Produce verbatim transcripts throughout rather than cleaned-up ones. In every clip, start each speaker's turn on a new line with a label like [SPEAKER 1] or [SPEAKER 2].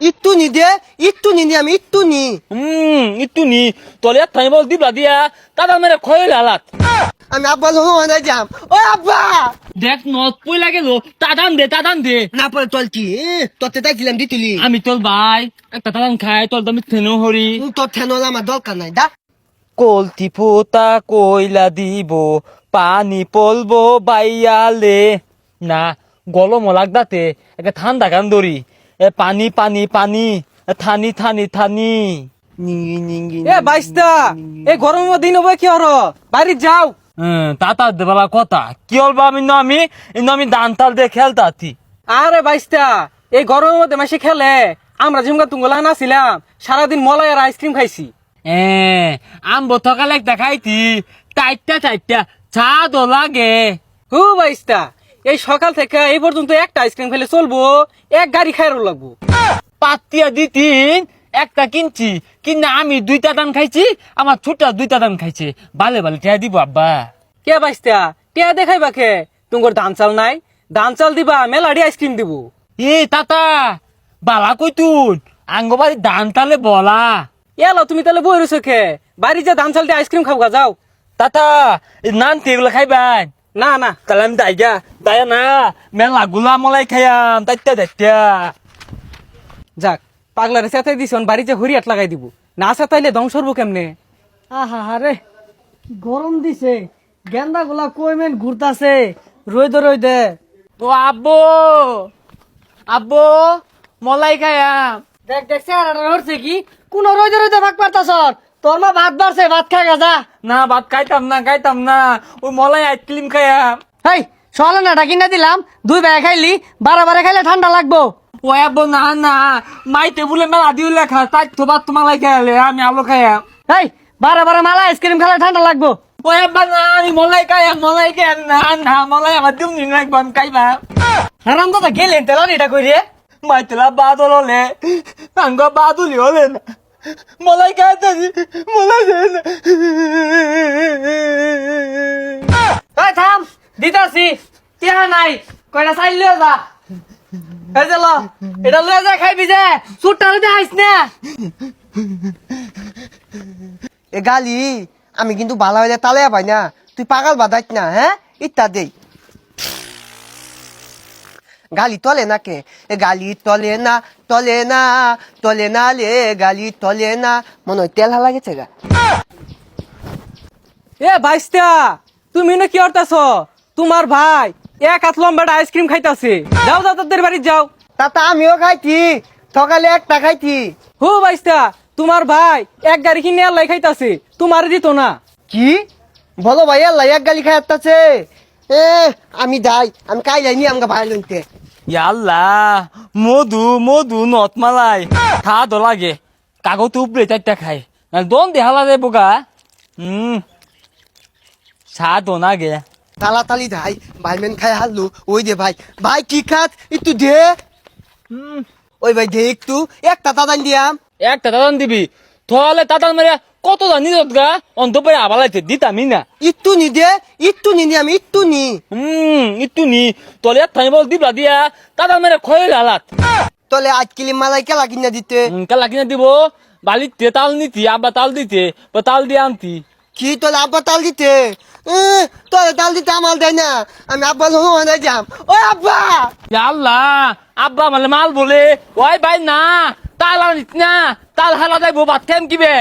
[SPEAKER 1] একটু নি দে একটু নি নি আমি একটু নি
[SPEAKER 2] হুম একটু নি তোর এক থাই বল দিবলা দিয়া তারা মেরে খয়ে লালাত
[SPEAKER 1] আমি আব্বা লোক যাম ও আব্বা
[SPEAKER 2] দেখ নত পই লাগে লো তাদান দে তাদান দে
[SPEAKER 1] না পরে চল কি তোতে তাইছিলাম দিতুলি
[SPEAKER 2] আমি তোর ভাই একটা তাদান খাই তোর দামি থেনো হরি
[SPEAKER 1] তোর ঠেনল আমার দরকার নাই দা
[SPEAKER 2] কলতি ফুটা কইলা দিব পানি পলবো বাইয়ালে না গলম লাগদাতে একটা ঠান্ডা গান ধরি এ পানি পানি পানি এ থানি থানি থানি
[SPEAKER 1] নিঙ্গি নিঙ্গি
[SPEAKER 3] এ বাইস্তা এই গরমের দিন হবে কি হর বাড়ি যাও
[SPEAKER 2] হ্যাঁ তাতা দেবালা কথা কি হলবা আমি না আমি ইন্দু আমি দান তাল দিয়ে খেলতাছি
[SPEAKER 3] আরে বাইস্তা এই গরমের মধ্যে মাসে খেলে আমরা জিমকা তুঙ্গলা নাছিলাম সারাদিন মলাই আর আইসক্রিম খাইছি
[SPEAKER 2] এ আম বোতকালে একটা খাইতি টাইটটা টাইটটা চা দো লাগে
[SPEAKER 3] হু বাইস্তা এই সকাল থেকে এই পর্যন্ত একটা আইসক্রিম খেলে চলবো এক গাড়ি খাইরও লাগবো
[SPEAKER 2] পাতিয়া দিতিন একটা কিনছি কিনা আমি দুইটা দান খাইছি আমার ছোটা দুইটা দান খাইছে বালে বালে টিয়া দিব আব্বা
[SPEAKER 3] কে বাইস্তা কে দেখাইবা কে তুঙ্গর ধান চাল নাই ধান চাল দিবা মেলাডি আইসক্রিম দিব
[SPEAKER 2] এ তাতা বালা কইতুন আঙ্গবাড়ি দান তালে বলা
[SPEAKER 3] এলো তুমি তাহলে বই রয়েছো খে বাড়ি যা ধান চাল দিয়ে আইসক্রিম খাবো যাও
[SPEAKER 2] তাতা নান তেগুলো খাইবাই
[SPEAKER 3] না না
[SPEAKER 2] তাহলে আমি দাইগা দায়া না মেলা গুলা মলাই খাইয়াম তাইতা দাইতা
[SPEAKER 3] যাক পাগলারে চেতাই দিছ বাড়ি যে হরিয়াট লাগাই দিব না চেতাইলে ধ্বংস হবো কেমনে
[SPEAKER 4] আহা হারে গরম দিছে গেন্দা গুলা কই মেন ঘুরতাছে রইদে রইদে
[SPEAKER 2] ও আব্বু আব্বু মলাই খাইয়াম
[SPEAKER 4] দেখ দেখ চেহারাটা হচ্ছে কি কোন রইদে রইদে ভাগ পারতাছ তোর মা ভাত বাড়ছে ভাত খাই গা
[SPEAKER 2] না ভাত খাইতাম না খাইতাম না ওই মলাই আইসক্রিম খাইয়াম
[SPEAKER 4] হেই সকালে নাটা কিনা দিলাম দুই বেলা খাইলি বারে বারে খাইলে ঠান্ডা লাগবো
[SPEAKER 2] ও আব্বু না না মাই টেবুলে মেলা দিও লেখা তাই তো ভাত তোমালাই খাইলে আমি আলো খাইয়াম
[SPEAKER 4] হেই বারে বারে মালা আইসক্রিম খাইলে ঠান্ডা লাগবো
[SPEAKER 2] ও আব্বা না আমি মলাই খাইয়াম মলাই খাইয়াম না না মলাই আমার দিম নি লাগবে আমি খাইবা
[SPEAKER 4] হারাম দাদা গেলেন তেলা এটা কই রে
[SPEAKER 2] মাই তেলা বাদল হলে আঙ্গ বাদুলি হলে না মলাই খাইতে মলাই দে না
[SPEAKER 4] এই থাম দিতাছি টিয়া নাই কয়টা চাইল লিও যা এই যে ল এটা লয়ে যা খাইবি যে সুটটা লইতে আইস না
[SPEAKER 1] এ গালি আমি কিন্তু ভালো হইলে তালে পাই না তুই পাগল বাদাইত না হ্যাঁ ইত্যা দেই গালি তলে না কে এ গালি তলে না তলে না তলে না লে গালি তলে না মনে হয় তেল হালা গেছে গা
[SPEAKER 3] এ বাইস্তা তুমি না কি করতেছ তোমার ভাই এক হাত লম্বাটা আইসক্রিম খাইতাছে যাও যাও তাদের বাড়ি যাও
[SPEAKER 1] তাতা আমিও খাইছি সকালে একটা খাইছি
[SPEAKER 3] হু বাইস্তা তোমার ভাই এক গাড়ি কিনে আল্লাহ খাইতাছে তোমার দিত না
[SPEAKER 1] কি বলো ভাই আল্লাহ এক গালি খাই আসতেছে এ আমি যাই আমি কাই যাইনি আমাকে ভাই লইতে
[SPEAKER 2] ইয়াল্লা মধু মধু নত মালাই খা দো লাগে কাগজ উপরে চারটা খাই দন দেহালা রে বোকা হুম সা দো না গে
[SPEAKER 1] তাড়াতাড়ি যাই ভাই মেন খাই হারলু ওই দে ভাই ভাই কি খাত একটু দে
[SPEAKER 2] হুম
[SPEAKER 1] ওই ভাই দে একটু একটা তাদান দিয়াম
[SPEAKER 2] একটা দাদান দিবি তাহলে তাদান মারিয়া কত জানি গা অন্তপরে আবালাইতে দিতামি না
[SPEAKER 1] একটু নি দে একটু নি নি আমি একটু নি
[SPEAKER 2] হুম একটু নি তোর এক থাই বল দিবলা দিয়া তাদান মেরে খয়ে লালাত
[SPEAKER 1] তলে আজ কিলি মালাই কেলা কিনা দিতে
[SPEAKER 2] কালা কিনা দিব বালিতে তাল নিতি আব্বা তাল দিতে বা তাল দিয়ে আনতি
[SPEAKER 1] কি তোলে আব্বা তাল দিতে এ, তোলে তাল দিতে আমার দেয় না আমি আব্বা লোক যাম ও আব্বা
[SPEAKER 2] আল্লাহ আব্বা মানে মাল বলে ওই ভাই না তাল আনিস না তাল হালা যাইবো ভাত খাইম কিবে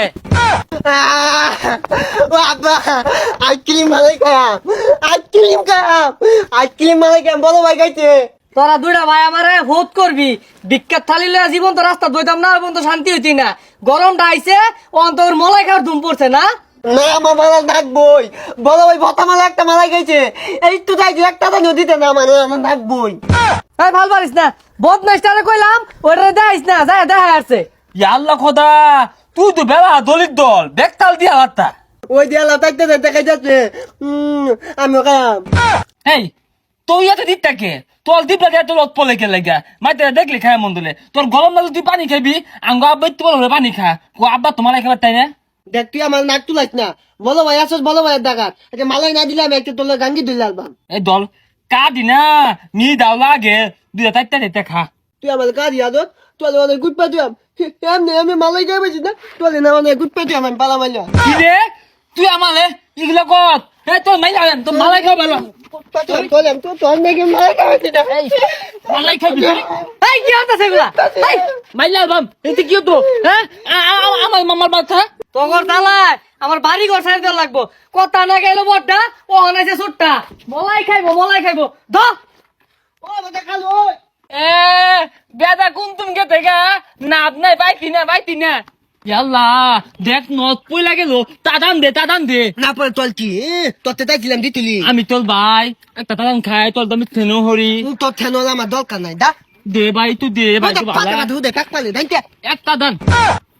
[SPEAKER 1] আহ, ও আব্বা আজ কিলি মালাই খাম আজ কিলিম খাম আজ কিলি মালাই খাম বলো ভাই খাইতে
[SPEAKER 4] তোরা দুইটা ভাই আমারে ভোট করবি বিখ্যাত থালি লয়ে জীবন তো রাস্তা দইতাম না এবং তো শান্তি হইতি না গরমটা আইছে অন্তর মলাই খাওয়ার ধুম পড়ছে না
[SPEAKER 1] না আমার মালা ডাকবই বলো ভাই ভতা মালা একটা মালাই খাইছে এই তো যাই একটা তো নদীতে না মানে আমার ডাকবই
[SPEAKER 4] এই ভাল পারিস না বদমাইস্টারে কইলাম ওটা দেখাইস না যায় দেখা আসছে
[SPEAKER 2] আল্লাহ খোদা তুই তো বেলা দলিত দল দেখ তাল দিয়া হাতটা
[SPEAKER 1] ওই দেয়ালা থাকতে দেখা যাচ্ছে উম, আমি খাম
[SPEAKER 2] এই তুই এত দিকটাকে তোর দিবলা দিয়ে তোর অত পলে কে লাগা মাইতে দেখলি খায় মন দিলে তোর গরম লাগলে তুই পানি খাবি আঙ্গ আব্বা ইত্তি বলে পানি খা কো আব্বা তোমার খাবার তাই না
[SPEAKER 1] দেখ তুই আমার নাক তুলাইস না বলো ভাই আসস বলো ভাই ডাকাত একটা মালাই না দিলে আমি একটা তোলে গাঙ্গি দুই লালবাম
[SPEAKER 2] এই দল কা দিনা মি দাও লাগে দুইটা চারটা চারটা খা
[SPEAKER 1] তুই আমার কাজ আদত তোলে অনেক গুড পাঠিয়াম এমনি এমনি মালাই খাই পাইছি না তোলে না অনেক গুড পাঠিয়াম আমি পালা মাইলা
[SPEAKER 2] কি রে তুই আমালে এগুলো কত এ তোর মাই যাবেন তোর মালাই খাও ভালো
[SPEAKER 1] পাঠিয়াম তোলে তো তোর নাকি মালাই খাই পাইছি না
[SPEAKER 2] এই মালাই খাবি
[SPEAKER 4] এই কি হতাছে এগুলা এই
[SPEAKER 2] মাইলা বাম এতে কি হতো হ্যাঁ আ- আ- আ- আমার মামার বাচ্চা
[SPEAKER 4] তোর তালায় আমার বাড়ি ঘর সাইড দেওয়া লাগবো কথা না গেলো বড়টা ও অনাইছে ছোটটা মলাই খাইবো মলাই খাইবো দ
[SPEAKER 1] ও বাবা খালো
[SPEAKER 2] এ বেদা কোন তুমি কে থেকে নাপ নাই পাইতি না পাইতি না ইয়াল্লা দেখ নদ পইলা গেল তাদান দে তাদান দে
[SPEAKER 1] না পরে তোল কি তোতে তাইছিলাম দিতুলি
[SPEAKER 2] আমি তোর ভাই একটা তাদান খাই তোর দামি থেনো হরি
[SPEAKER 1] তোর ঠেনল আমার দরকার নাই দা
[SPEAKER 2] দে ভাই তুই দে ভাই তুই ভালো
[SPEAKER 1] ধু দে কাক পালে দাইতে
[SPEAKER 2] একটা দান